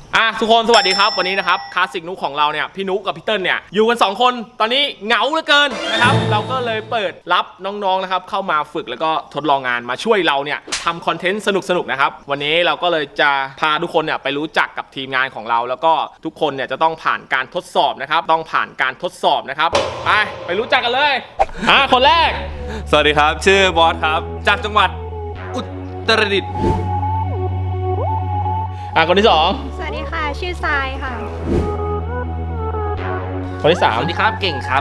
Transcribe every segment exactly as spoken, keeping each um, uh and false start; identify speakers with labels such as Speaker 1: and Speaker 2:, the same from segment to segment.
Speaker 1: อ่ะทุกคนสวัสดีครับวันนี้นะครับคลาสสิกนุ๊กของเราเนี่ยพี่นุ๊กกับพี่เติ้ลเนี่ยอยู่กันสองคนตอนนี้เหงาเหลือเกินนะครับเราก็เลยเปิดรับน้องๆนะครับเข้ามาฝึกแล้วก็ทดลองงานมาช่วยเราเนี่ยทำคอนเทนต์สนุกๆนะครับวันนี้เราก็เลยจะพาทุกคนเนี่ยไปรู้จักกับทีมงานของเราแล้วก็ทุกคนเนี่ยจะต้องผ่านการทดสอบนะครับต้องผ่านการทดสอบนะครับไปไปรู้จักกันเลยอ่ะคนแรก
Speaker 2: สวัสดีครับชื่อบอสครับจากจังหวัดอุตรดิตถ์
Speaker 1: อ่ะคนที่สอง
Speaker 3: สวัสดีค่ะชื่อทรายค่ะ
Speaker 1: คนที่สาม
Speaker 2: สวัสดีครับเก่งครับ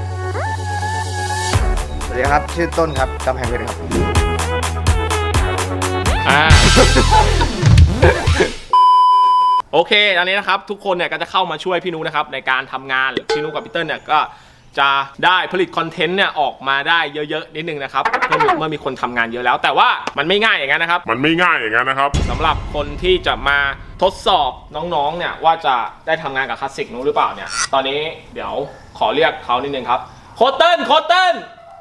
Speaker 4: สวัสดีครับชื่อต้นครับกำแพงเพชรครับ
Speaker 1: อ่า โอเคอันนี้นะครับทุกคนเนี่ยก็จะเข้ามาช่วยพี่นุนะครับในการทำงานพี่นุกับพี่เติ้ลเนี่ยก็จะได้ผลิตคอนเทนต์เนี่ยออกมาได้เยอะๆนิดนึงนะครับเมื่อเมื่อมีคนทำงานเยอะแล้วแต่ว่ามันไม่ง่ายอย่างนั้นนะครับ
Speaker 5: มันไม่ง่ายอย่างนั้นนะครับ
Speaker 1: สำหรับคนที่จะมาทดสอบน้องๆเนี่ยว่าจะได้ทำงานกับคลาสสิกนุหรือเปล่าเนี่ยตอนนี้เดี๋ยวขอเรียกเขานิดนึงครับโคเติ้ลโคเติ้ล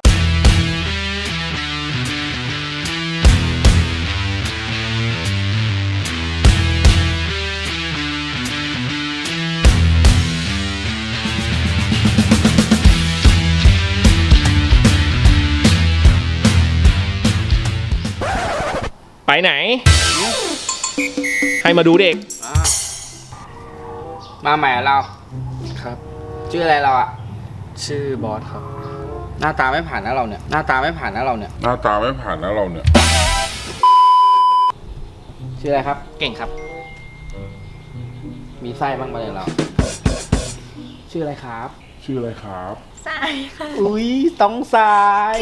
Speaker 1: ไปไหนให้มาดูเด็ก
Speaker 4: มาใหม่เรา
Speaker 2: ครับ
Speaker 4: ชื่ออะไรเราอะ
Speaker 2: ชื่อบอสครับ
Speaker 4: หน้าตาไม่ผ่านนะเราเนี่ยหน้าตาไม่ผ่านนะเราเนี่ย
Speaker 5: หน้าตาไม่ผ่านนะเราเนี่ย
Speaker 4: ชื่ออะไรครับ
Speaker 2: เก่งครับ
Speaker 4: มีไส้บ้างไหมเราชื่ออะไรครับ
Speaker 5: ชื่ออะไรครับ
Speaker 3: ทรายค่ะ
Speaker 4: อุ้ยต้องทราย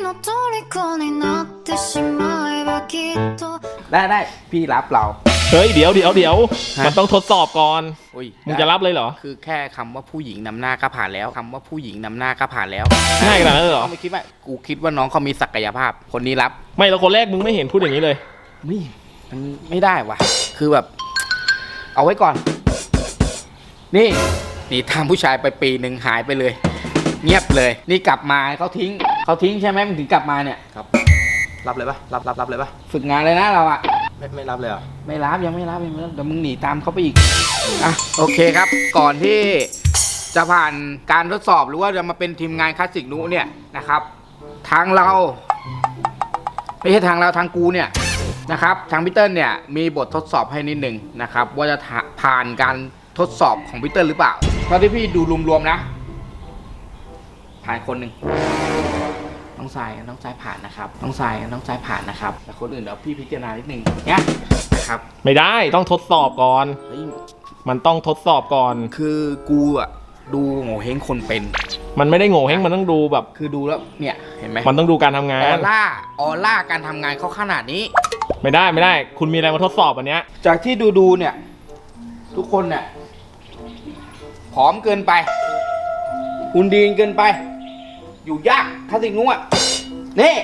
Speaker 4: ได้ได้พี่รับเรา
Speaker 1: เฮ้ยเดี๋ยวเดี๋ยวเดี๋ยวมันต้องทดสอบก่อนมึงจะรับเลยเหรอ
Speaker 4: คือแค่คำว่าผู้หญิงนำหน้าก็ผ่านแล้วคำว่าผู้หญิงนำหน้าก็ผ่านแล้ว
Speaker 1: ง่ายขนาดนั้นเหรอ
Speaker 4: ไม่คิดว่ากูคิดว่าน้องเขามีศักยภาพคนนี้รับ
Speaker 1: ไม่แล้วคนแรกมึงไม่เห็นพูดอย่างนี้เลย
Speaker 4: นี่มันไม่ได้ว่ะคือแบบเอาไว้ก่อนนี่นี่ทำผู้ชายไปปีหนึ่งหายไปเลยเงียบเลยนี่กลับมาเขาทิ้งเขาทิ้งใช่ไหมมันถึงกลับมาเนี่ย
Speaker 2: ครับรับเลยปะรับรับรับเลยปะ
Speaker 4: ฝึกงานเลยนะเราอะ
Speaker 2: ไม่ไม่รับเลยเหรอ
Speaker 4: ไม่รับยังไม่รับยังไม่รับเดี๋ยวมึงหนีตามเขาไปอีกอ่ะโอเคครับก่อนที่จะผ่านการทดสอบหรือว่าจะมาเป็นทีมงานคลาสสิกนุเนี่ยนะครับทางเราไม่ใช่ทางเราทางกูเนี่ยนะครับทางพีเตอร์เนี่ยมีบททดสอบให้นิดหนึ่งนะครับว่าจะผ่านการทดสอบของพีเตอร์หรือเปล่าเท่าที่พี่ดูรวมๆนะผ่านคนหนึ่งน้องทรายน้องทรายผ่านนะครับน้องทรายน้องทรายผ่านนะครับแต่คนอื่นเดี๋ยวพี่พิจารณานิดนึงเนี่ยนะครับ
Speaker 1: ไม่ได้ต้องทดสอบก่อนมันต้องทดสอบก่อน
Speaker 4: คือกูอะดูโง่เฮงคนเป็น
Speaker 1: มันไม่ได้โง่เฮงมันต้องดูแบบ
Speaker 4: คือดูแล้วเนี่ยเห็นไหม
Speaker 1: มันต้องดูการทำงาน
Speaker 4: ออร่าออร่าการทำงานเขาขนาดนี้
Speaker 1: ไม่ได้ไม่ได้คุณมีอะไรมาทดสอบอันเนี้ย
Speaker 4: จากที่ดูดูเนี่ยทุกคนเนี่ยผอมเกินไปหุ่นดีเกินไปอยู่ยากคลาสสิกนุ๊กอ่ะนี่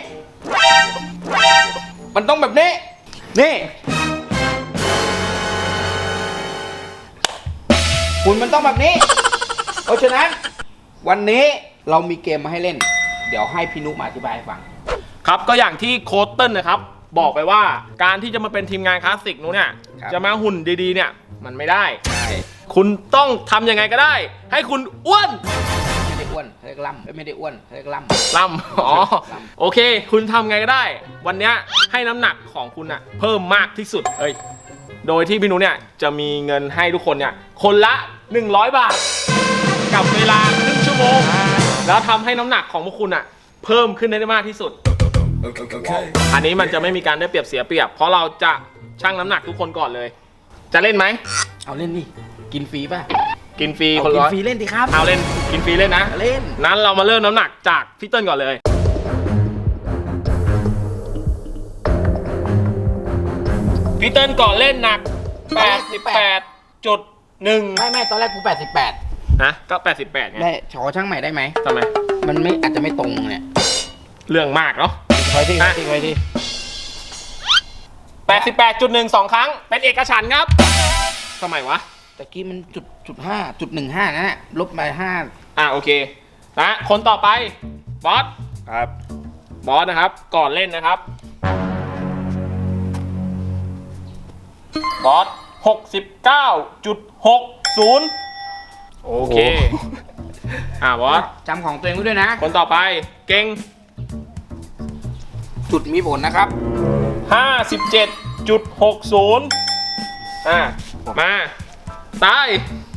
Speaker 4: มันต้องแบบนี้นี่หุ่นมันต้องแบบนี้เพราะฉะนั้นวันนี้เรามีเกมมาให้เล่นเดี๋ยวให้พี่นุ๊กมาอธิบายให้ฟัง
Speaker 1: ครับก็อย่างที่โค้ชเติ้ลนะครับบอกไปว่าการที่จะมาเป็นทีมงานคลาสสิกนุ๊กเนี่ยจะมาหุ่นดีๆเนี่ยมันไม่ได้คุณต้องทำยังไงก็ได้ให้คุณอ้วน
Speaker 4: ไม่ได้อ้วนเรียกล่ำไม่ได้อ้วนเรียกล่ำ
Speaker 1: ล่ำอ๋อโอเคคุณทำไงก็ได้วันนี้ให้น้ำหนักของคุณอะเพิ่มมากที่สุดเอ้ยโดยที่พี่นุ๊กเนี่ยจะมีเงินให้ทุกคนเนี่ยคนละหนึ่งร้อยบาทกับเวลาครึ่งชั่วโมงแล้วทำให้น้ำหนักของพวกคุณอะเพิ่มขึ้นได้มากที่สุด okay. อันนี้มันจะไม่มีการได้เปรียบเสียเปรียบเพราะเราจะชั่งน้ำหนักทุกคนก่อนเลยจะเล่นไหม
Speaker 4: เอาเล่นดิกินฟรีป่ะ
Speaker 1: กินฟรีคนละ
Speaker 4: กินฟรีเล่นดิครับ
Speaker 1: เอาเล่นกินฟรีเล่นนะ
Speaker 4: เล่น
Speaker 1: นั้นเรามาเริ่มน้ำหนักจากพี่เติ้ลก่อนเลยพี่เติ้ลก่อนเล่นหนักแปดสิบแปดจุดหนึ่ง
Speaker 4: ไม่ไม่ตอนแรกกูแปดสิบแปด
Speaker 1: นะก็แปดสิบแปดไง
Speaker 4: ได้ขอช่างใหม่ได้ไหม
Speaker 1: ทำไม
Speaker 4: มันไม่อาจจะไม่ตรงเนี่ย
Speaker 1: เรื่องมากเนาะ
Speaker 4: คอยที่คอยที่คอยที่
Speaker 1: แปดสิบแปดจุดหนึ่งสองครั้งเป็นเอกฉันท์ครับทำไมวะ
Speaker 4: ตะกี้มันจุดจุดห้าจุดหนึ่งห้านะลบไปห้า
Speaker 1: อ่ะโอเคนะคนต่อไปบอส
Speaker 2: ครับ
Speaker 1: บอสนะครับก่อนเล่นนะครับบอสหกสิบเก้าจุดหกศูนย์ โอเค อ่าบอส
Speaker 4: จำของตัวเองไว้ด้วยนะ
Speaker 1: คนต่อไปเก่ง
Speaker 4: จุดมีผลนะครับ
Speaker 1: ห้าสิบเจ็ดจุดหกศูนย์ อ่ามาตาย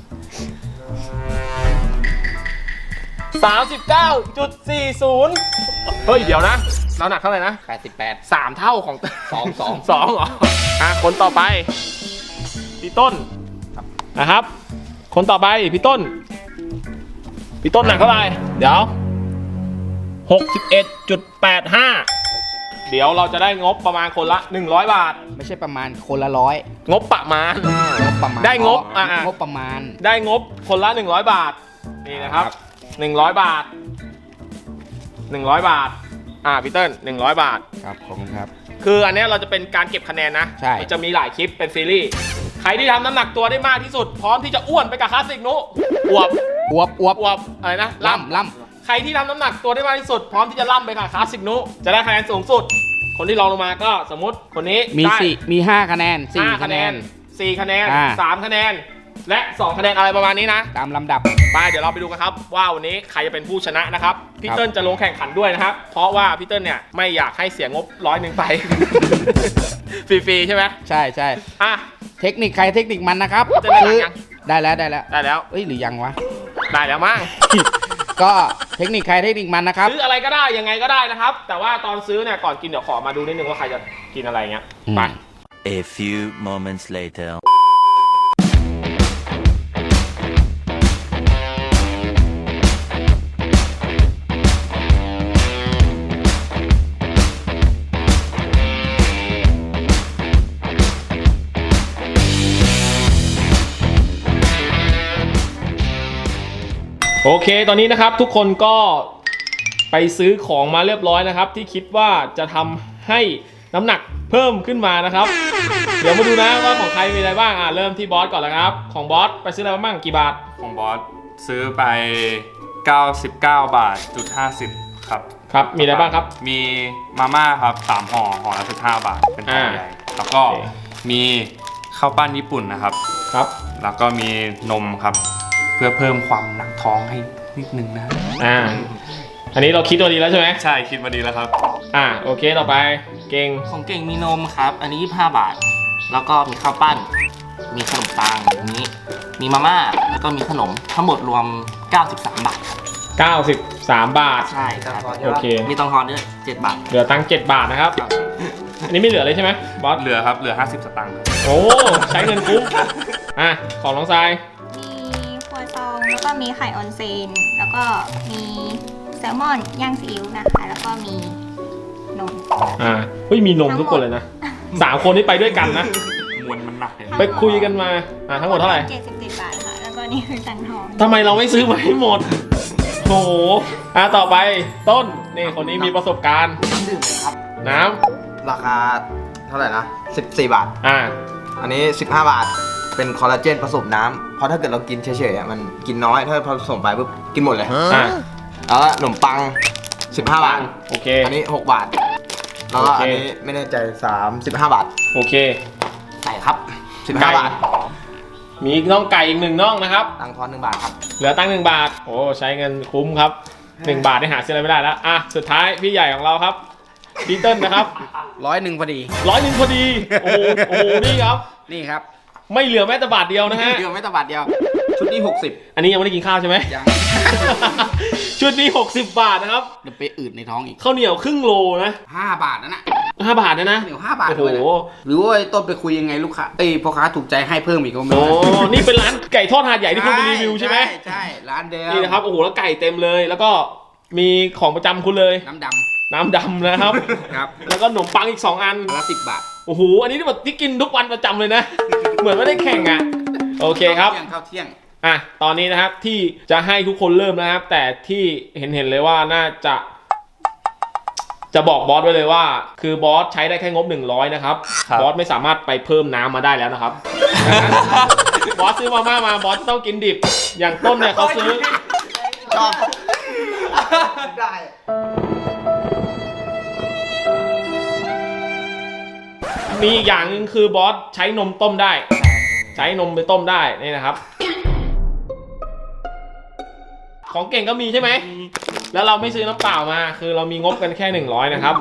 Speaker 1: สามสิบเก้าจุดสี่ศูนย์ เฮ้ย เดี๋ยวนะเราหนักเท่าไหร่นะ
Speaker 4: แปดสิบแปด
Speaker 1: สามเท่าของ
Speaker 4: สองสอง
Speaker 1: สองเหรอ อ่ะ คนต่อไปพี่ต้นนะครับ คนต่อไปพี่ต้นพี่ต้นหนักเท่าไหร่เดี๋ยว หกสิบเอ็ดจุดแปดห้า เดี๋ยวเราจะได้งบประมาณคนละหนึ่งร้อยบาท
Speaker 4: ไม่ใช่ประมาณคนละร้อย
Speaker 1: งบประมาณ
Speaker 4: งบประมาณ
Speaker 1: ได้งบ
Speaker 4: อ๋อ
Speaker 1: อ่ะ
Speaker 4: งบประมาณ
Speaker 1: ได้งบคนละหนึ่งร้อยบาท นี่นะครับหนึ่งร้อยบาทหนึ่งร้อยบาท อ่าพี่เติ้ลหนึ่งร้อยบาท
Speaker 4: ครับขอบคุณครับ
Speaker 1: คืออันเนี้ยเราจะเป็นการเก็บคะแนนนะ
Speaker 4: ใช่
Speaker 1: มันจะมีหลายคลิปเป็นซีรีส์ ใครที่ทำน้ำหนักตัวได้มากที่สุด พร้อมที่จะอ้วนไปกับคลาสสิกนุอวบ
Speaker 4: อวบอวบ
Speaker 1: อวบอะไรนะ
Speaker 4: ล่ำล่
Speaker 1: ใครที่ทำน้ำหนักตัวได้มากที่สุด พร้อมที่จะล่ำไปกับคลาสสิกนุจะได้คะแนนสูงสุด คนที่รองลงมาก็สมมติคนนี้
Speaker 4: ำมี
Speaker 1: ได้
Speaker 4: สี่มีห้าคะแนนสี่
Speaker 1: ห้า
Speaker 4: คะแนน
Speaker 1: สี่คะแนน
Speaker 4: อ่า
Speaker 1: สามคะแนน และสองคะแนนอะไรประมาณนี้นะ
Speaker 4: ตามลำดับ
Speaker 1: ไปเดี๋ยวเราไปดูกันครับว่าวันนี้ใครจะเป็นผู้ชนะนะครับพี่
Speaker 4: ครับ
Speaker 1: เติ้ลจะลงแข่งขันด้วยนะครับ เพราะว่าพี่เติ้ลเนี่ยไม่อยากให้เสียงบร้อยหนึ่งไป ฟรีๆใช่ไหม
Speaker 4: ใช่ใช่
Speaker 1: อ่ะ
Speaker 4: เทคนิคใครเทคนิคมันนะครับ
Speaker 1: จะได้หลังยัง
Speaker 4: ได้แล้วได้แล้ว
Speaker 1: ได้แล้ว
Speaker 4: เอ้ยหรือยังวะ
Speaker 1: ได้แล้วมั้ง
Speaker 4: ก็เทคนิคใครเทคนิคมันนะครับ
Speaker 1: ซื้ออะไรก็ได้ยังไงก็ได้นะครับ แต่ว่าตอนซื้อเนี่ยก่อนกินเดี๋ยวขอมาดูนิดนึงว่าใครจะกินอะไรเงี้ย
Speaker 4: อืม
Speaker 1: ไป
Speaker 6: A few moments later.
Speaker 1: โอเค ตอนนี้นะครับทุกคนก็ไปซื้อของมาเรียบร้อยนะครับ ที่คิดว่าจะทำให้น้ำหนักเพิ่มขึ้นมานะครับ เดี๋ยวมาดูนะว่าของใครมีอะไรบ้างอ่ะเริ่มที่บอสก่อนเลยครับของบอสไปซื้ออะไรมาบ้างกี่บาท
Speaker 2: ของบอสซื้อไปเก้าสิบเก้าบาทจุดห้าสิบครับ
Speaker 1: ครับมีอะไรบ้างครับ
Speaker 2: มีมาม่าครับสามห่อห่อละสิบห้าบาทเป็นห่อใหญ่แล้วก็
Speaker 1: โอเค
Speaker 2: มีข้าวปั้นญี่ปุ่นนะครับ
Speaker 1: ครับ
Speaker 2: แล้วก็มีนมครับ เพื่อเพิ่มความหนักท้องให้นิดนึงนะ
Speaker 1: อ่าอันนี้เราคิดตัวดีแล้วใช่ไหม
Speaker 2: ใช่คิดมาดีแล้วครับ
Speaker 1: อ่าโอเคต่อไปเก่ง
Speaker 7: ของเก่งมีนมครับ อันนี้ยี่สิบห้าบาท แล้วก็มีข้าวปั้น มีขนมปังอันนี้ มีมาม่า แล้วก็มีขนม ทั้งหมดรวม เก้าสิบสาม บาทครับ
Speaker 1: เก้าสิบสามบาท
Speaker 7: ใช่ครับ
Speaker 1: โอเค
Speaker 7: มีตังทอนด้วยเจ็ดบาท
Speaker 1: เหลือตังค์เจ็ดบาทนะครับ อันนี้ไม่เหลือเลยใช่ไหมบอส
Speaker 2: เหลือครับเหลือห้าสิบสตางค์ครับ
Speaker 1: โอ้ใช้เงินคุ้มอ่ะของน้องทราย
Speaker 3: มีครัวซองแล้วก็มีไข่ออนเซน แล้วก็มีแซลมอนย่างซีอิ๊วนะคะ แล้วก็มีนม
Speaker 1: อ่าเฮ้ยมีนมทุกคนเลยนะสามคนนี้ไปด้วยกันนะ
Speaker 2: มวลมันหนักเลย
Speaker 1: ไปคุยกันมาอ่าทั้งหมดเท่าไหร่
Speaker 3: เจ็ดสิบเจ็ดบาทค่ะ แล้วก็นี่คือตังค์ทอน
Speaker 1: ทำไมเราไม่ซื้อมาให้หมดโอ้โหอ่ะต่อไปต้นนี่คนนี้มีประสบการณ์
Speaker 8: ดื่มเลยครับ
Speaker 1: น้
Speaker 8: ราคาเท่าไหร่นะสิบสี่บาท
Speaker 1: ำอ่า
Speaker 8: อันนี้สิบห้าบาท เป็นคอลลาเจนผสมน้ำเพราะถ้าเกิดเรากินเฉยๆอ่ะมันกินน้อย ถ้าผสมไปปุ๊บกินหมดเลย
Speaker 1: อ่า
Speaker 8: แล้วก็ขนมปังสิบห้าบาท
Speaker 1: โอเค
Speaker 8: อันนี้หกบาท แล้วก็
Speaker 1: โอเค
Speaker 8: อันนี้ไม่แน่ใจสามสิบห้าบาท
Speaker 1: โอเค
Speaker 8: ไก่ครับสิบ
Speaker 1: ไก่
Speaker 8: ห้าบาท
Speaker 1: มีน่องไก่อีกหนึ่งน่องนะครับ
Speaker 8: ตังค์ทอนหนึ่งบาทครับ
Speaker 1: เหลือตั้งหนึ่งบาท โอ้ใช้เงินคุ้มครับหนึ่งบาทได้หาซื้ออะไรไม่ได้แล้วอ่ะสุดท้ายพี่ใหญ่ของเราครับพี่เติ้ลนะครับ
Speaker 4: ร้อยหนึ่งพอดี
Speaker 1: ร้อยหนึ่งพอดี โอ้โหโอ้โหนี่ครับ
Speaker 4: นี่ครับ
Speaker 1: ไม่เหลือแม้แต่บาทเดียวนะฮะ
Speaker 4: เดียวไม่ตะบาทเดียว
Speaker 8: ชุดนี้หกสิบ
Speaker 1: อันนี้ยังไม่ได้กินข้าวใช่ไหม
Speaker 4: ยัง
Speaker 1: ชุดนี้หกสิบบาทนะครับ
Speaker 4: เดี๋ยวไปอืดในท้องอีก
Speaker 1: ข้าวเหนียวครึ่งโลนะ
Speaker 4: ห้าบาทนั่นน่ะ
Speaker 1: ห้าบาทนะนะ
Speaker 4: เหนียวห้าบาท
Speaker 1: โอ้โห
Speaker 4: ด้วยนะหรือว่าไอ้ต้นไปคุยยังไงลูกค้าเอ้ยพ่อค้าถูกใจให้เพิ่มอีกก็ไม่
Speaker 1: โอ้
Speaker 4: รู้
Speaker 1: นี่เป็นร้านไก่ทอดหาดใหญ่ที่คุณไปรีวิวใช่ไหม
Speaker 4: ใช่ใช่ร้านเดิม
Speaker 1: นี่นะครับโอ้โหแล้วไก่เต็มเลย แล้วก็มีของประจำคุณเลย
Speaker 4: น้ำด
Speaker 1: น้ำดำนะครับ
Speaker 4: ำครับ
Speaker 1: แล้วก็ขนมปังอีกสองอัน
Speaker 4: อันละสิบบาท
Speaker 1: โอ้โห อันนี้แบบที่กินทุกวันประจำเลยนะ เหมือนไม่ได้แข่งอ่ะ โอเคครับ
Speaker 4: เที่ยงข้าวเที่ยง
Speaker 1: อ่ะ ตอนนี้นะครับที่จะให้ทุกคนเริ่มนะครับ แต่ที่เห็นเห็นเลยว่าน่าจะ จะบอกบอสไว้เลยว่า คือบอสใช้ได้แค่งบหนึ่งร้อยนะครับ
Speaker 2: ครับ
Speaker 1: บอสไม่สามารถไปเพิ่มน้ำมาได้แล้วนะครับ บอสซื้อมาม่ามาบอสต้องกินดิบ อย่างต้นเนี่ยเขาซื้อ
Speaker 8: ชอบ ได้
Speaker 1: มีอีกอย่างหนึ่งคือบอสใช้นมต้มได้ใช้นมไปต้มได้นี่นะครับ ของเก่งก็มีใช่ไหมแล้วเราไม่ซื้อน้ำเปล่ามาคือเรามีงบกันแค่หนึ่งร้อยนะครับ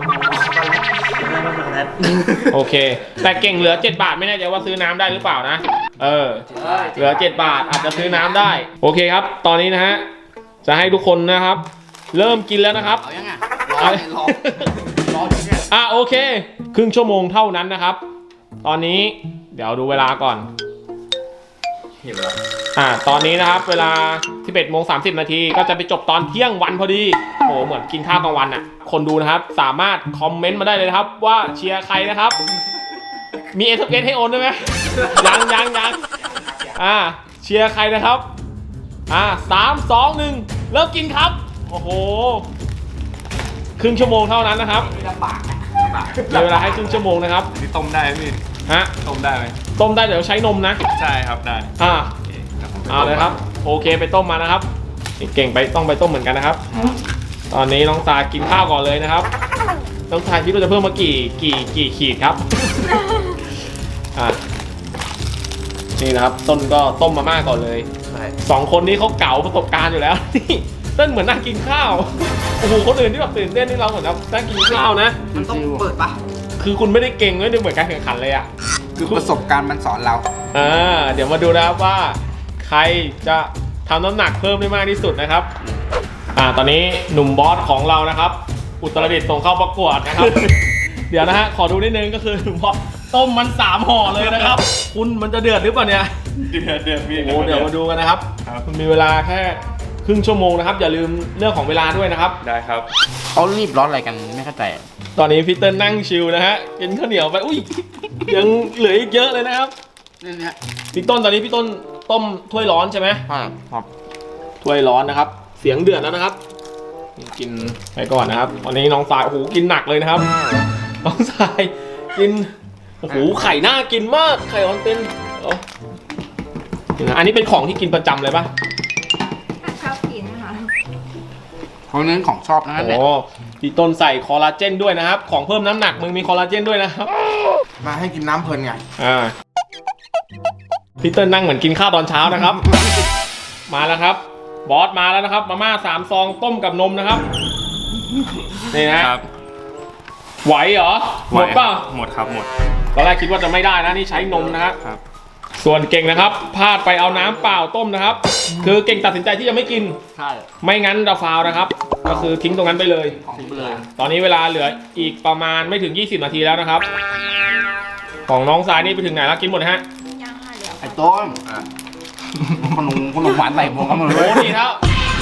Speaker 1: โอเคแต่เก่งเหลือเจ็ดบาทไม่แน่ใจว่าซื้อน้ำได้หรือเปล่านะเออเหลือเจ็ดบาทอาจจะซื้อน้ำได้โอเคครับตอนนี้นะฮะจะให้ทุกคนนะครับ เริ่มกินแล้วนะครับ
Speaker 4: เอายังไง
Speaker 1: เอา
Speaker 4: รอรออยู่เนี่ย
Speaker 1: อ่ะโอเคครึ่งชั่วโมงเท่านั้นนะครับ ตอนนี้เดี๋ยวดูเวลาก่อน
Speaker 8: เห็นแล้ว
Speaker 1: อ่าตอนนี้นะครับเวลา สิบเอ็ดโมงสามสิบ นาทีก็จะไปจบตอนเที่ยงวันพอดีโอ้เหมือนกินข้าวกลางวันอ่ะคนดูนะครับสามารถคอมเมนต์มาได้เลยนะครับว่าเชียร์ใครนะครับมี เอส เอส ให้โอนได้ไหมยังยังยังอ่าเชียร์ใครนะครับอ่าสามสองหนึ่งเริ่มกินครับโอ้โหครึ่งชั่วโมงเท่านั้นนะครับ
Speaker 4: ลำบากนะ
Speaker 1: มีเวลาให้ครึ่งชั่วโมงนะครับ
Speaker 2: นี่ต้มได้ไหมพี่
Speaker 1: ฮะ
Speaker 2: ต้มได้ไหม
Speaker 1: ต้มได้เดี๋ยวใช้นมนะ
Speaker 2: ใช่ครับได้
Speaker 1: อ่า
Speaker 2: โอเคดี๋ยวผมไป
Speaker 1: เอาเลยครับโอเคไปต้มมานะครับเก่งไปต้องไปต้มเหมือนกันนะครับ ตอนนี้น้องทรายกินข้าวก่อนเลยนะครับน้องทรายคิดว่าจะเพิ่มมากี่กี่กี่ขีดครับ อ่ะนี่นะครับต้นก็ต้มมาม่าก่อนเลย
Speaker 8: ใช่
Speaker 1: สองคนนี้เขาเก๋าประสบการณ์อยู่แล้ว นี่ต้นเหมือนนั่งกินข้าวโอ้โหคนอื่นที่แบบตื่นเต้นนี่เราเหมือนแบบนั่งกินข้าวนะ
Speaker 8: มันต้องเปิดปะ
Speaker 1: คือคุณไม่ได้เก่งไม่ได้เหมือนการแข่งขันเลยอ่ะ
Speaker 4: คือประสบการณ์มันสอนเรา
Speaker 1: อ่าเดี๋ยวมาดูนะครับว่าใครจะทำน้ำหนักเพิ่มได้มากที่สุดนะครับอ่าตอนนี้หนุ่มบอสของเรานะครับ อุตรดิตถ์ส่งเข้าประกวดนะครับ เดี๋ยวนะฮะขอดูนิดนึงก็คือหนุ่มบอสต้มมันสามห่อเลยนะครับ คุณมันจะเดือดหรือเปล่าเนี่ย
Speaker 2: เดือดเดือดพี่
Speaker 1: โอ้โหเดี๋ยวมาดูกันนะครับ
Speaker 2: ครับ
Speaker 1: คุณมีเวลาแค่ครึ่งชั่วโมงนะครับอย่าลืมเรื่องของเวลาด้วยนะครับ
Speaker 2: ได้ครับ
Speaker 4: เขารีบร้อนอะไรกันไม่เข้าใจ
Speaker 1: ตอนนี้พี่เติ้ลนั่งชิลนะฮะกินข้าวเหนียวไปอุ้ยยังเหลืออีกเยอะเลยนะครับ
Speaker 4: นี่เนี่ย
Speaker 1: พี่ต้นตอนนี้พี่ต้นต้มถ้วยร้อนใช่ไหม
Speaker 8: ใช่ครับ
Speaker 1: ถ้วยร้อนนะครับ เสียงเดือดแล้วนะครับ กินไปก่อนนะครับวันนี้น้องสายโอ้โหกินหนักเลยนะครับ น้องสายกินโอ้โหไข่น่ากินมากไข่ออนเต็นเอาอันนี้เป็นของที่กินประจำเลยปะ
Speaker 3: ชอบกินค่ะ
Speaker 4: เขาเน้นของชอบนะ
Speaker 1: โอ้
Speaker 4: เนี่ย
Speaker 1: โหพี่ต้นใส่คอลลาเจนด้วยนะครับ ของเพิ่มน้ำหนักมึงมีคอลลาเจนด้วยนะครับ
Speaker 8: มาให้กินน้ำเพลินไง
Speaker 1: อ่าพี่เติ้ลนั่งเหมือนกินข้าวตอนเช้านะครับ มาแล้วครับ บอสมาแล้วนะครับมาม่าสามซองต้มกับนมนะครับนี่นะครับ ไหวเหรอหมดป่ะ
Speaker 2: หมดครับหมด
Speaker 1: ตอนแรกคิดว่าจะไม่ได้นะนี่ใช้นมนะครับ
Speaker 2: ครับ
Speaker 1: ส่วนเก่งนะครับพลาดไปเอาน้ำเปล่าต้มนะครับ คือเก่งตัดสินใจที่จะไม่กิน
Speaker 4: ใช่
Speaker 1: ไม่งั้นจะฟาวนะครับ ก็คือทิ้งตรงนั้นไปเลย
Speaker 4: ของไปเลย
Speaker 1: ตอนนี้เวลาเหลืออีกประมาณไม่ถึงยี่สิบนาทีแล้วนะครับ ของน้องสายนี่ไปถึงไหนแล้วกินหมดนะฮะ
Speaker 3: ยังค่ะเดี๋ยว
Speaker 4: ไอ้ต้นขนมขนมหวานใส่ผมกันหมดเล
Speaker 1: โอ้
Speaker 4: ย
Speaker 1: นี่แล้ว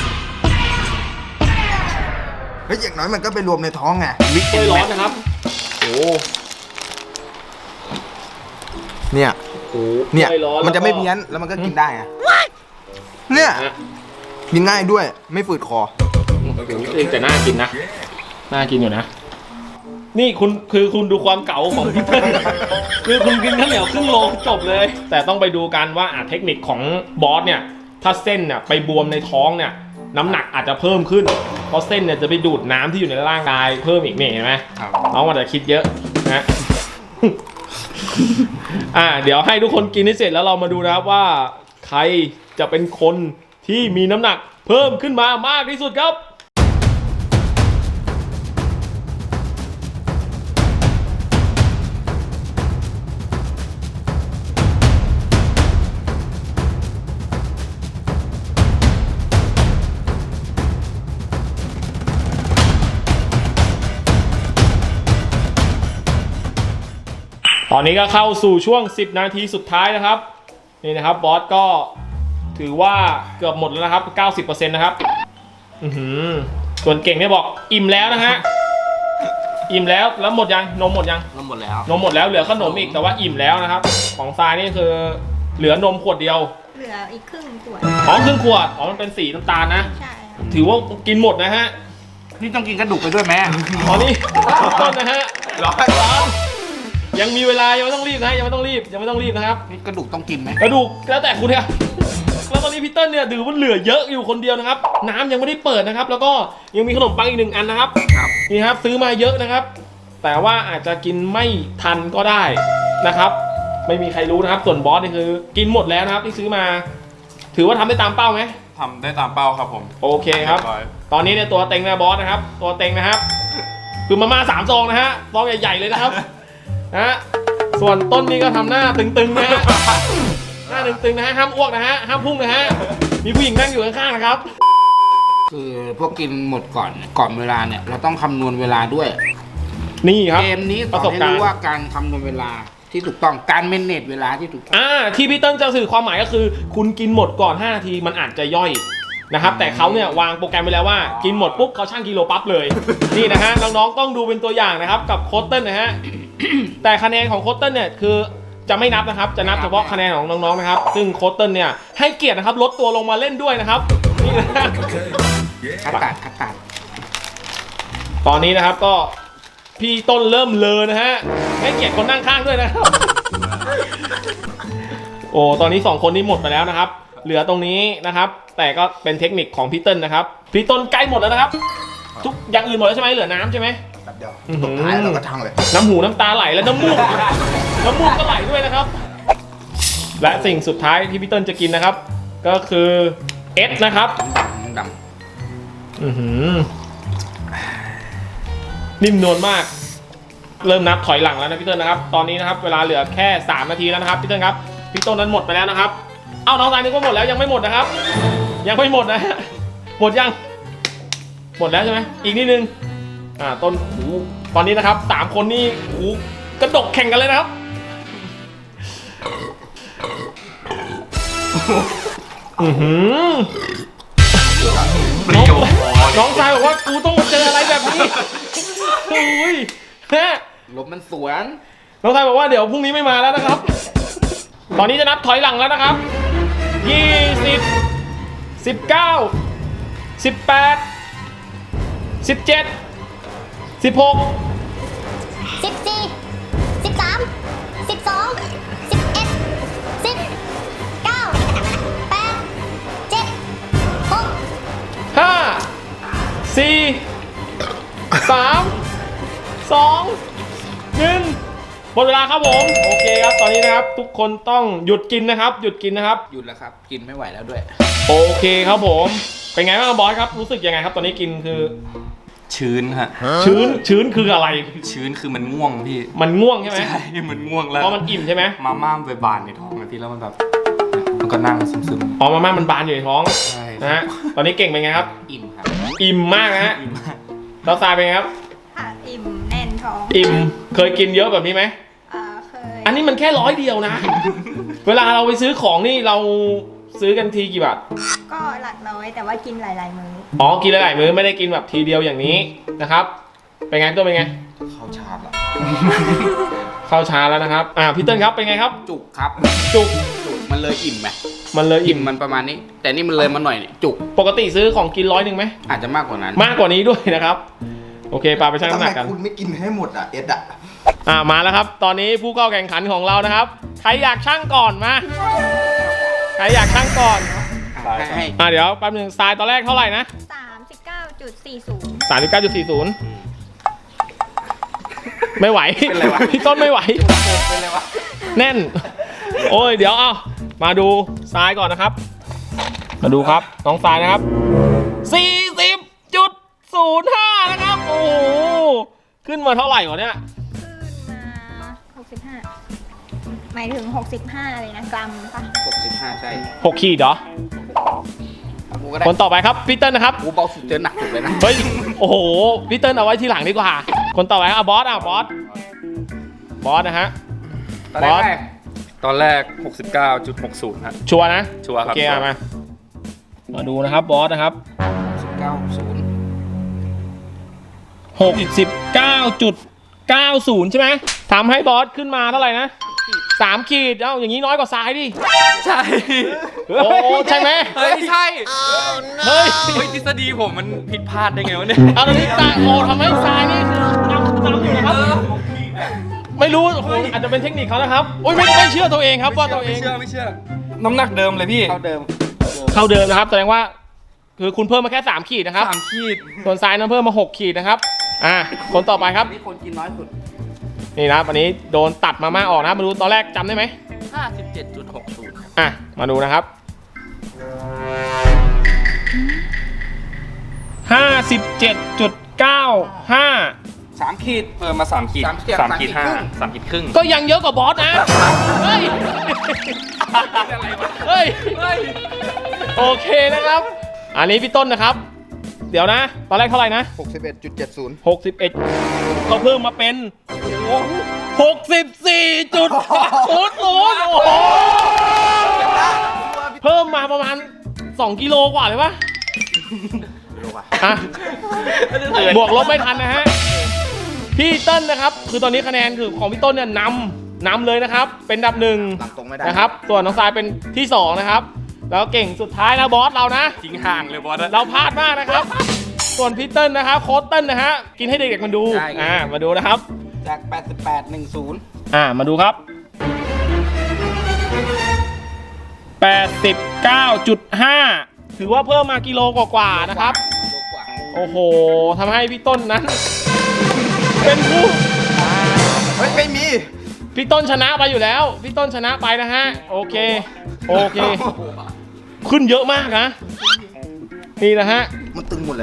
Speaker 8: เฮ้ยอย่างน้อยมันก็ไปรวมในท้องไง
Speaker 1: มิกถ้วยร้อนนะครับโอ้
Speaker 8: เนี่ย
Speaker 1: โห
Speaker 8: เนี่ย
Speaker 1: ถ้วร้อ
Speaker 8: มันจะไม่
Speaker 1: แล้วก็
Speaker 8: เพี้ยนแล้วมันก็กินได้ไงเนี่ย
Speaker 1: นะ
Speaker 8: กินง่ายด้วยไม่ฝืดคอ
Speaker 1: แต่น่ากินนะ น่ากินอยู่นะ นี่คุณคือคุณดูความเก๋าของพี่เติ้ล คือคุณกินข้าวเหนียวครึ่งโลจบเลย แต่ต้องไปดูกันว่าอ่ะเทคนิคของบอสเนี่ย ถ้าเส้นเนี่ยไปบวมในท้องเนี่ย น้ำหนักอาจจะเพิ่มขึ้น เพราะเส้นเนี่ยจะไปดูดน้ำที่อยู่ในร่างกายเพิ่มอีกนี่เห็นไหม
Speaker 2: ครับ
Speaker 1: น้องมันจะคิดเยอะนะ อ่าเดี๋ยวให้ทุกคนกินให้เสร็จแล้วเรามาดูนะครับว่าใครจะเป็นคนที่มีน้ำหนักเพิ่มขึ้นมามากที่สุดครับ ตอนนี้ก็เข้าสู่ช่วงสิบนาทีสุดท้ายนะครับ นี่นะครับบอสก็ถือว่าเกือบหมดแล้วนะครับ เก้าสิบเปอร์เซ็นต์ นะครับอือหือส่วนเก่งเนี่ยบอกอิ่มแล้วนะฮะอิ่มแล้วแล้วหมดยังนมหมดยัง
Speaker 7: นมหมดแล้ว
Speaker 1: นมหมดแล้วเหลือขนมอีกแต่ว่าอิ่มแล้วนะครับ ของทรายนี่คือเหลือนมขวดเดียว
Speaker 3: เหลืออีกครึ่งขวด
Speaker 1: อ๋อครึ่งขวดอ๋อมันเป็นสีน้ำตาลนะ
Speaker 3: ใช่ค่ะ
Speaker 1: ถือว่ากินหมดนะฮะ
Speaker 4: นี่ต้องกินกระดูกไปด้วยไหม
Speaker 1: ตอนนี้ต้นนะฮะ
Speaker 8: ร้อย
Speaker 1: ร้อนยังมีเวลายังไม่ต้องรีบนะยังไม่ต้องรีบยังไม่ต้องรีบนะครับ
Speaker 4: นี่กระดูกต้องกินไหม
Speaker 1: กระดูกแล้วแต่คุณเนี่ยแล้วตอนนี้พี่เติ้ลเนี่ยดื่มมันเหลือเยอะอยู่คนเดียวนะครับ น้ำยังไม่ได้เปิดนะครับ แล้วก็ยังมีขนมปังอีกหนึ่งอันนะครับ
Speaker 4: ครับ
Speaker 1: นี่ครับซื้อมาเยอะนะครับ แต่ว่าอาจจะกินไม่ทันก็ได้นะครับไม่มีใครรู้นะครับ ส่วนบอสนี่คือกินหมดแล้วนะครับที่ซื้อมา ถือว่าทำได้ตามเป้าไหม
Speaker 2: ทำได้ตามเป้าครับผม
Speaker 1: โอเคครับ
Speaker 2: เรียบร้อย
Speaker 1: ตอนนี้เนี่ยตัวเต็งนะบอสนะครับ ตัวเต็งนะครับคือมาม่าสามซองนะฮะซองใหญ่ๆเลยนะครับนะฮะส่วนต้นนี้ก็ทำหน้าตึงๆนะฮะหน้าตึงๆนะฮะห้ามอ้วกนะฮะห้ามพุ่งนะฮะมีผู้หญิงนั่งอยู่ข้างๆนะครับ
Speaker 4: คือพวกกินหมดก่อนก่อนเวลาเนี่ยเราต้องคำนวณเวลาด้วย
Speaker 1: นี่ครับ
Speaker 4: เกมนี้ส
Speaker 1: ประ
Speaker 4: อ
Speaker 1: ส
Speaker 4: น
Speaker 1: บ
Speaker 4: ให้
Speaker 1: การณ์
Speaker 4: รู้ว่าการคำนวณเวลาที่ถูกต้องการเมนเนจเวลาที่ถูกต้อง
Speaker 1: อ่าที่พี่เติ้ลจะสื่อความหมายก็คือ คุณกินหมดก่อนห้านาทีมันอาจจะย่อยนะครับ แต่เขาเนี่ยวางโปรแกรมไว้แล้วว่ากินหมดปุ๊บเขาชั่งกิโลปั๊บเลย นี่นะฮะน้องๆต้องดูเป็นตัวอย่างนะครับกับโค้ชเติ้ลนะฮะ แต่คะแนนของโค้ชเติ้ลเนี่ยคือจะไม่นับนะครับจะนับเฉพาะคะแนนของน้องๆนะครับซึ่งโค้ชเติ้ลเนี่ยให้เกียรตินะครับลดตัวลงมาเล่นด้วยนะครับนี่นะฮะ
Speaker 4: คัดตัดคัดตัด
Speaker 1: ตอนนี้นะครับก็พี่ต้นเริ่มเลอนะฮะให้เกียรติคนนั่งข้างด้วยนะครับ โอ้ตอนนี้สองคนนี้หมดไปแล้วนะครับ เหลือตรงนี้นะครับ แต่ก็เป็นเทคนิคของพี่เติ้ลนะครับพี่ต้นใกล้หมดแล้วนะครับ ทุกอย่างอื่นหมดแล้วใช่ไหมเหลือน้ำใช่ไหม
Speaker 8: แบบเดียว
Speaker 1: อื้อหือ
Speaker 8: สุดท้ายเราก็ทั้งเลย น้
Speaker 1: น้ำหูน้ำตาไหลและน้ำมูก น้ำมูกก็ไหลด้วยนะครับ และสิ่งสุดท้ายที่พี่เติ้ลจะกินนะครับ ก็คือเอสนะครับ
Speaker 4: ดำด
Speaker 1: อือหือนิ่มนวลมาก เริ่มนับถอยหลังแล้วนะพี่เติ้ลนะครับ ตอนนี้นะครับเวลาเหลือแค่สามนาทีแล้วนะครับพี่เติ้ลครับพี่ต้นนั้นหมดไปแล้วนะครับ เอ้าน้องสายนึกว่าหมดแล้วยังไม่หมดนะครับ ยังไม่หมดนะฮะหมดยัง หมดแล้วใช่ไหมอีกนิดนึงอ่าต้นหูตอนนี้นะครับสามคนนี่หูกระดกแข่งกันเลยนะครับอือหือน้องน้องชายบอกว่ากูต้องมาเจออะไรแบบนี้โอ้ยฮะ
Speaker 4: ำลมมันสวน
Speaker 1: น้องชายบอกว่าเดี๋ยวพรุ่งนี้ไม่มาแล้วนะครับ ตอนนี้จะนับถอยหลังแล้วนะครับยี่สิบ สิบเก้า สิบแปด สิบเจ็ด สิบหก
Speaker 9: สิบสี่สิบสามสิบสองสิบเอ็ดสิบเก้าแปดเจ็ดหก
Speaker 1: ห้า สี่ สาม สอง หนึ่งหมดเวลาครับผมโอเคครับตอนนี้นะครับทุกคนต้องหยุดกินนะครับ หยุดกินนะครับ
Speaker 4: หยุดแล้วครับ กินไม่ไหวแล้วด้วย
Speaker 1: โอเคครับผมเป็นไงบ้างบอสครับรู้สึกยังไงครับตอนนี้กินคือ
Speaker 2: ชื้นฮะ
Speaker 1: ชื้นชื้นคืออะไร
Speaker 2: ชื้นคือมันง่วงพี่
Speaker 1: มันง่วงใช่ไหม
Speaker 2: ใช่มันง่วงแล้ว
Speaker 1: เพราะมันอิ่มใช่ไหม
Speaker 2: มาม่ามไปบานในท้องเลยพี่แล้วมันแบบมันก็นั่งซึม
Speaker 1: อ๋อมาม่ามันบานอยู่ในท้อง
Speaker 2: ๆใช่
Speaker 1: นะฮะตอนนี้เก่งเป็นไงครับ
Speaker 4: อิ่มครับ
Speaker 1: อิ่มมากนะฮะ
Speaker 2: อิ่มมาก
Speaker 1: เราทรายเป็นไงครับ
Speaker 3: ค่ะอิ่มแน่นท้อง
Speaker 1: อิ่มเคยกินเยอะแบบนี้ไหม
Speaker 3: อ่าเคย
Speaker 1: อันนี้มันแค่ร้อยเดียวนะ เวลาเราไปซื้อของนี่เราซื้อกันทีกี่บาท
Speaker 3: ก็หลักร้อยแต่ว่ากินหลายๆมื้อ
Speaker 1: อ๋อกินหลายๆมื้อไม่ได้กินแบบทีเดียวอย่างนี้นะครับเป็นไงตัวเป็นไง
Speaker 8: เข้าชาร์จละ
Speaker 1: เข้าช้าแล้วนะครับอ่าพี่เติ้ลครับเป็นไงครับ
Speaker 4: จุกครับ
Speaker 1: จุก
Speaker 4: จุกมันเลยอิ่มไหม
Speaker 1: มันเลย
Speaker 4: อิ่
Speaker 1: อิ่
Speaker 4: ม
Speaker 1: ม
Speaker 4: มันประมาณนี้ แต่นี่มันเลยมาหน่อยเนี่ยจุก
Speaker 1: ปกติซื้อของกินร้อยหนึ่งไหม
Speaker 4: อาจจะมากกว่านั้น
Speaker 1: มากกว่านี้ด้วยนะครับ โอเคปาไปชั่ง
Speaker 8: ทำ
Speaker 1: น้ำห
Speaker 8: ไม
Speaker 1: นักกัน
Speaker 8: คุณไม่กินให้หมดอ่ะ เอ็ดอ่ะ
Speaker 1: อ่ามาแล้วครับ ตอนนี้ผู้เข้าแข่งขันของเรานะครับ ใครอยากชั่งก่อนมาใครอยากชั่งก่อน
Speaker 4: ให้ให้
Speaker 1: อ่าเดี๋ยวแป๊บหนึงทรายตอนแรกเท่าไหร่นะ
Speaker 3: สามสิบเก้าจุดสี่ศูนย์
Speaker 1: สามสิบเก้าจุดสี่ศูนย์ไม่ไหว
Speaker 4: เป็นไรวะ
Speaker 1: พี่ต้นไม่ไหว
Speaker 4: เป็นไรวะ
Speaker 1: แน่น โอ้ยเดี๋ยวเอามาดูทรายก่อนนะครับ มาดูครับน้องทรายนะครับ สี่สิบจุดศูนย์ห้า นะครับ โอ้โหขึ้นมาเท่าไหร่วะเนี่ย
Speaker 3: ขึ้นมาหกสิบห้าหมายถึงหกสิบห้าเลยนะกรัมปะ
Speaker 4: หกสิบห้าใช่
Speaker 1: หกขีดเหรอ
Speaker 4: กูก็ได้
Speaker 1: คนต่อไปครับพี่เติ้ลนะครับ
Speaker 4: กูเบาสุดเจอหนักสุดเลยนะ
Speaker 1: เฮ้ย โอ้โหพี่เติ้ลเอาไว้ทีหลังดีกว่า คนต่อไปครับอ่ะบอสอ่ะบอส บอสนะฮะ
Speaker 4: ตอนแร
Speaker 1: บอส
Speaker 4: ก
Speaker 2: ตอนแรก หกสิบเก้าจุดหกศูนย์ ฮะ
Speaker 1: ชัวร์นะ
Speaker 2: ชัวร์ครับ
Speaker 1: โอเคอ่ะมา มาดูนะครับบอสนะครับ
Speaker 4: สิบเก้าศูนย์
Speaker 1: หกสิบเก้าจุดเก้าศูนย์ใช่ไหมทำให้บอสขึ้นมาเท่าไหร่นะสามขีด เอ้าอย่างนี้น้อยกว่าทรายดิ
Speaker 2: ใช่
Speaker 1: โอ้ใช่ไหม
Speaker 2: เฮ้ยใช่
Speaker 1: เฮ้ย
Speaker 2: เฮ้ยทฤษฎีผมมันผิดพลาดได้ไงวะเนี่ย
Speaker 1: เอาตอนนี้ทรายโอ้ทำให้ทรายนี่คือนำนำอยู่นะครับ ไม่รู้โอ้โหอาจจะเป็นเทคนิคเขานะครับโอ้ยไม่ไม่เชื่อตัวเองครับว่าตัวเอ
Speaker 2: ไม่
Speaker 1: ง
Speaker 2: เชื่อไม่เชื่อ น้ำหนักเดิมเลยพี่
Speaker 4: เท่าเดิม
Speaker 1: เท่าเดิมนะครับแสดงว่าคือคุณเพิ่มมาแค่สามขีดนะครับ
Speaker 2: สามขีด
Speaker 1: ส่วนทรายนั้นเพิ่มมาหกขีดนะครับ อ่าคนต่อไปครับ
Speaker 4: นี่คนกินน้อยสุด
Speaker 1: นี่นะครับอันนี้โดนตัดมาม่าออกนะครับมาดูตอนแรกจำได้ไหม
Speaker 7: ห้าสิบเจ็ดจุดหกศูนย์
Speaker 1: อ่ะมาดูนะครับห้าสิบเจ็ดจุดเก้าห้า
Speaker 2: สามขีดเออมาสามขีด
Speaker 4: สามขีด
Speaker 2: สามขีด
Speaker 4: สามขีด
Speaker 2: ห้า
Speaker 4: ครึ่ง
Speaker 2: สามขีดครึ่ง
Speaker 1: ก็ยังเยอะกว่าบอสนะ เฮ้ย เฮ้ย โอเคนะครับ อันนี้พี่ต้นนะครับ เดี๋ยวนะ ตอนแรกเท่าไหร่นะ
Speaker 8: หกสิบเอ็ดจุดเจ็ดศูนย์
Speaker 1: หกสิบเอ็ดก็เพิ่มมาเป็นหกสิบสี่จุดศูนย์ศูนย์โอ้โห เพิ่มมาประมาณสองกิโลกว่าเลยปะอ่ะบวกลบไม่ทันนะฮะ พี่เต้นนะครับ คือตอนนี้คะแนนคือของพี่ต้นเนี่ยนำนำเลยนะครับ เป็นอันดับหนึ่ง
Speaker 8: หลังตรงไม่ได้
Speaker 1: นะครับ ส่วนน้องทรายเป็นที่สองนะครับ แล้วเก่งสุดท้ายนะบอสเรานะ
Speaker 2: ทิ้งห่างเลยบอสอะ
Speaker 1: เราพลาดมากนะครับ ส่วนพี่เติ้ลนะครับโค้ชเติ้ลนะฮะ กินให้เด็กๆมันดู
Speaker 4: ใช่
Speaker 1: อ่า มาดูนะครับ
Speaker 4: จากแปดสิบแปด หนึ่งศูนย์
Speaker 1: อ่า มาดูครับ แปดสิบเก้าจุดห้า ถือว่าเพิ่มมากิโลกว่าๆนะครับ โอ้โห ทำให้พี่ต้นนั้น เป็นผู้
Speaker 8: เฮ้ย ไม่มี
Speaker 1: พี่ต้นชนะไปอยู่แล้ว พี่ต้นชนะไปนะฮะ โอเค โอเค ขึ้นเยอะมากนะ นี่นะฮะ
Speaker 8: มันตึงหมดเลย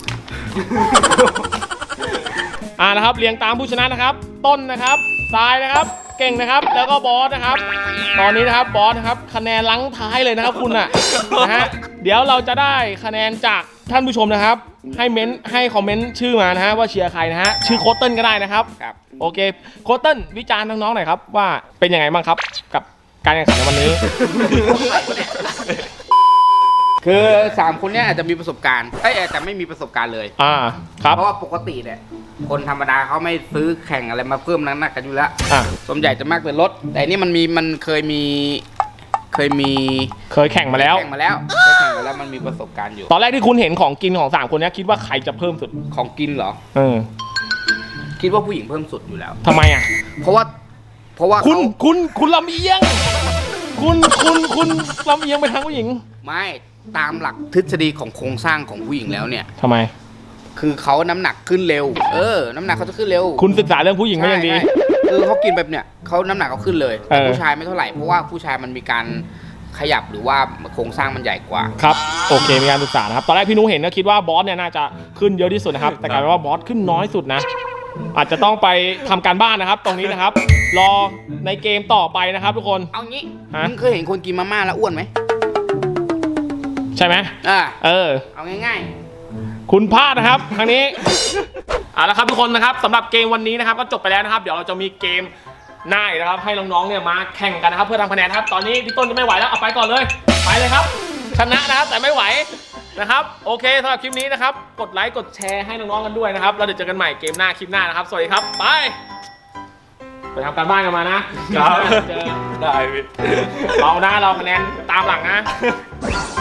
Speaker 1: อ่านะครับ เรียงตามผู้ชนะนะครับ ต้นนะครับทรายนะครับ เก่งนะครับ แล้วก็บอสนะครับ ตอนนี้นะครับบอสนะครับ คะแนนลังท้ายเลยนะครับคุณอ่ะ นะฮะ เดี๋ยวเราจะได้คะแนนจากท่านผู้ชมนะครับ ให้เม้นให้คอมเมนต์ชื่อมานะฮะว่าเชียร์ใครนะฮะ ชื่อโค้ชเติ้ลก็ได้นะครับ
Speaker 4: ครับ
Speaker 1: โอเค โค้ชเติ้ลวิจารณ์น้องๆหน่อยครับว่าเป็นยังไงบ้างครับ กับการแข่งขันในวันนี้
Speaker 4: คือสามคนเนี้ยอาจจะมีประสบการณ์เอ้ยอาจจะไม่มีประสบการณ์เลย
Speaker 1: อ่า ครับ
Speaker 4: เพราะว่าปกติเนี่ยคนธรรมดาเขาไม่ซื้อแข่งอะไรมาเพิ่มน้ำหนักกันอยู่แล้ว
Speaker 1: อ่า
Speaker 4: ส่วนใหญ่จะมากเป็นรถ แต่อันนี่มันมีมันเคยมีเคยมี
Speaker 1: เคยแข่งมาแล้ว
Speaker 4: แข่งมาแล้วเคยแข่งมาแล้วมันมีประสบการณ์อยู่
Speaker 1: ตอนแรกที่คุณเห็นของกินของสามคนเนี้ยคิดว่าใครจะเพิ่มสุด
Speaker 4: ของกินเหรอ
Speaker 1: เออ
Speaker 4: คิดว่าผู้หญิงเพิ่มสุดอยู่แล้ว
Speaker 1: ทำไมอ่ะ
Speaker 4: เพราะว่าเพราะว่า
Speaker 1: คุณ
Speaker 4: เขา
Speaker 1: คุณคุณลำเอียง คุณคุณคุณลำเอียงไปทางผู้หญิง
Speaker 4: ไม่ตามหลักทฤษฎีของโครงสร้างของผู้หญิงแล้วเนี่ย
Speaker 1: ทำไม
Speaker 4: คือเขาน้ำหนักขึ้นเร็ว เออ น้ำหนักเขาจะขึ้นเร็ว
Speaker 1: คุณศึกษาเรื่องผู้หญิงไม่ยังดี
Speaker 4: ใช่ใช่คือเขากินแบบเนี้ยเขาน้ำหนักเขาขึ้นเลยแต่
Speaker 1: เออ
Speaker 4: ผู้ชายไม่เท่าไหร่เพราะว่าผู้ชายมันมีการขยับหรือว่าโครงสร้างมันใหญ่กว่า
Speaker 1: ครับ โอเค มีการศึกษานะครับ ตอนแรกพี่นุ้เห็นก็คิดว่าบอสเนี่ยน่าจะขึ้นเยอะที่สุดนะครับ แต่กลายเป็นว่าบอสขึ้นน้อยสุดนะ อาจจะต้องไปทำการบ้านนะครับ ตรงนี้นะครับ รอในเกมต่อไปนะครับ ทุกคน
Speaker 4: เอางี้
Speaker 1: ฮะ
Speaker 4: มึงเคยเห็นคนกินมาม่าแล้วอ้วนไหม
Speaker 1: ใช่ไหม
Speaker 4: อ่า
Speaker 1: เออ
Speaker 4: เอาง่าย
Speaker 1: คุณพลาดนะครับครั้งนี้เอาละครับทุกคนนะครับสำหรับเกมวันนี้นะครับก็จบไปแล้วนะครับ เดี๋ยวเราจะมีเกมหน้าอีกนะครับให้น้องๆเนี่ยมาแข่งกันนะครับเพื่อทำคะแนนครับตอนนี้พี่ต้นจะไม่ไหวแล้วเอาไปก่อนเลยไปเลยครับ ชนะนะครับแต่ไม่ไหวนะครับโอเคสำหรับคลิปนี้นะครับกดไลค์กดแชร์ให้น้องๆกันด้วยนะครับแล้วเดี๋ยวเจอกันใหม่เกมหน้าคลิปหน้านะครับสวัสดีครับไปไปทำการบ้านกันมานะครับ เจอ
Speaker 2: ได้พี่
Speaker 1: เรานะเราคะแนนตามหลังนะ